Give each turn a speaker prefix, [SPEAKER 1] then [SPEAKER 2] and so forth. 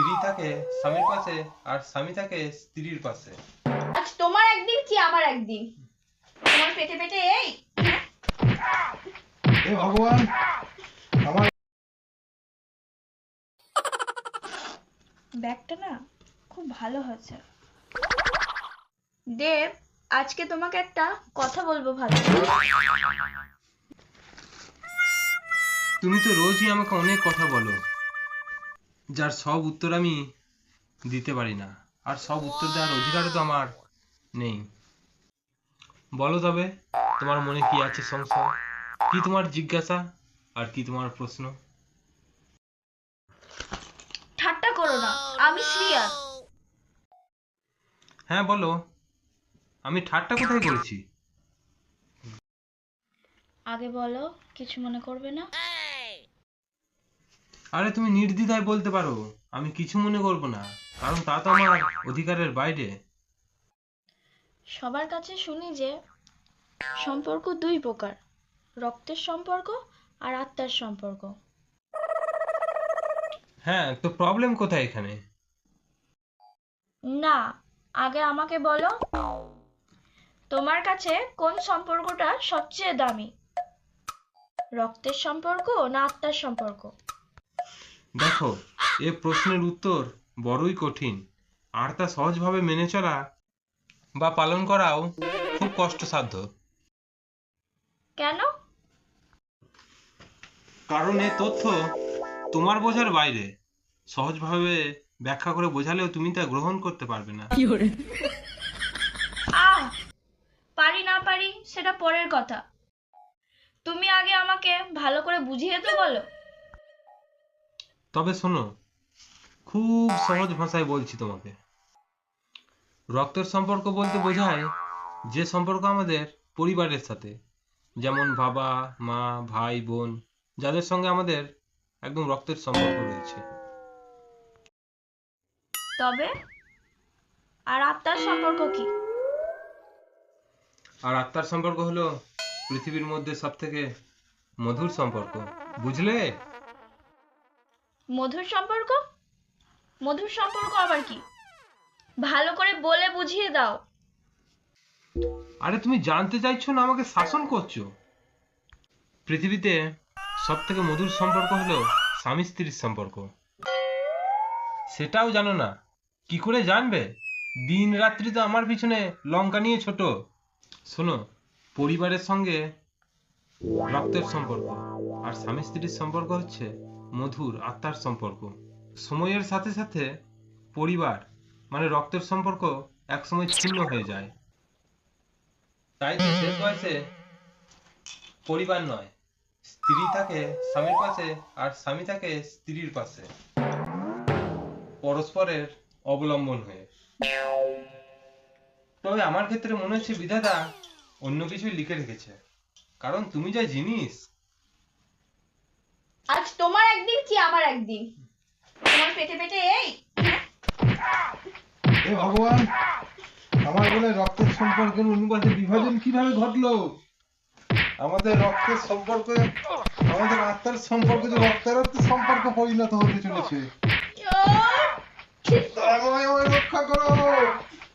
[SPEAKER 1] স্ত্রী থাকে স্বামীর পাশে আর স্বামী থাকে স্ত্রীর পাশে।
[SPEAKER 2] আজ তোমার একদিন কি আমার একদিন, তোমার পেটে পেটে এই
[SPEAKER 3] হে ভগবান, আমার
[SPEAKER 2] ব্যাগটা না খুব ভালো হয়েছে। দেব, আজকে তোমাকে একটা কথা বলবো ভালো।
[SPEAKER 1] তুমি তো রোজই আমাকে অনেক কথা বলো, যার সব উত্তর আমি দিতে পারি না, আর সব উত্তর দেওয়ার অধিকারও তো আমার নেই। বলো তবে, তোমার মনে কি আছে সংশয়, কি তোমার জিজ্ঞাসা, আর কি তোমার প্রশ্ন?
[SPEAKER 2] ঠাট্টা করো না, আমি সিরিয়াস।
[SPEAKER 1] হ্যাঁ বলো, আমি ঠাট্টা কোথায় করেছি?
[SPEAKER 2] আগে বলো, কিছু মনে করবে না।
[SPEAKER 1] আরে তুমি নির্দ্বিধায় বলতে পারো, আমি কিছু মনে করব না, কারণ তা তো আমার অধিকারের বাইরে।
[SPEAKER 2] সবার কাছে শুনি যে সম্পর্ক দুই প্রকার, রক্তের সম্পর্ক আর আত্মার সম্পর্ক।
[SPEAKER 1] হ্যাঁ, তো প্রবলেম কোথায় এখানে?
[SPEAKER 2] না, আগে আমাকে বলো, তোমার কাছে কোন সম্পর্কটা সবচেয়ে দামি, রক্তের সম্পর্ক না আত্মার সম্পর্ক?
[SPEAKER 1] দেখো, এ প্রশ্নের উত্তর বড়ই কঠিন, আর তা সহজভাবে মেনে চলা বা পালন করাও খুব কষ্টসাধ্য।
[SPEAKER 2] কেন?
[SPEAKER 1] কারণ এ তথ্য তোমার বোঝার বাইরে, সহজভাবে ব্যাখ্যা করে বোঝালেও তুমি তা গ্রহণ করতে পারবে না।
[SPEAKER 2] আহ, পারি না পারি সেটা পরের কথা, তুমি আগে আমাকে ভালো করে বুঝিয়ে তো বলো।
[SPEAKER 1] তবে শোনো, খুব সহজ ভাষায় বলছি তোমাকে। রক্তের সম্পর্ক বলতে বোঝায় যে সম্পর্ক আমাদের পরিবারের সাথে, যেমন বাবা মা ভাই বোন, যাদের সঙ্গে আমাদের একদম রক্তের সম্পর্ক রয়েছে।
[SPEAKER 2] তবে আর আত্মার সম্পর্ক কি?
[SPEAKER 1] আর আত্মার সম্পর্ক হলো পৃথিবীর মধ্যে সব থেকে মধুর সম্পর্ক, বুঝলে?
[SPEAKER 2] মধুর সম্পর্ক? মধুর সম্পর্ক আবার কি? ভালো করে বলে বুঝিয়ে দাও।
[SPEAKER 1] আরে তুমি জানতে চাইছো না আমাকে শাসন করছো? পৃথিবীতে সব থেকে মধুর সম্পর্ক হলো স্বামী স্ত্রীর সম্পর্ক। সেটাও জানো না? কি করে জানবে? দিন রাত্রি তো আমার পিছনে লঙ্কা নিয়ে ছোট। শোনো, পরিবারের সঙ্গে রক্তের সম্পর্ক, আর স্বামী স্ত্রীর সম্পর্ক হচ্ছে মধুর আত্মার সম্পর্ক। সময়ের সাথে সাথে পরিবার মানে রক্তের সম্পর্ক একসময় ছিন্ন হয়ে যায়। তাই তো শেষ বয়সে পরিবার নয়, স্ত্রী থাকে স্বামীর পাশে আর স্বামী থাকে স্ত্রীর পাশে, পরস্পরের অবলম্বন হয়ে। তবে আমার ক্ষেত্রে মনে হচ্ছে বিধাতা অন্য কিছুই লিখে রেখেছে, কারণ তুমি যা জিনিস।
[SPEAKER 2] আজ তোমার একদিন কি আমার একদিন, তোমার পেটে পেটে এই
[SPEAKER 3] হে ভগবান, আমার বলে রক্তের সম্পর্কের অনুপাতে বিভাজন কিভাবে ঘটলো? আমাদের রক্তের সম্পর্ক, আমাদের আত্মার সম্পর্ক যে রক্তারক্ত সম্পর্ক পরিণত হতে চলেছে। দয়াময় আমায় রক্ষা করো।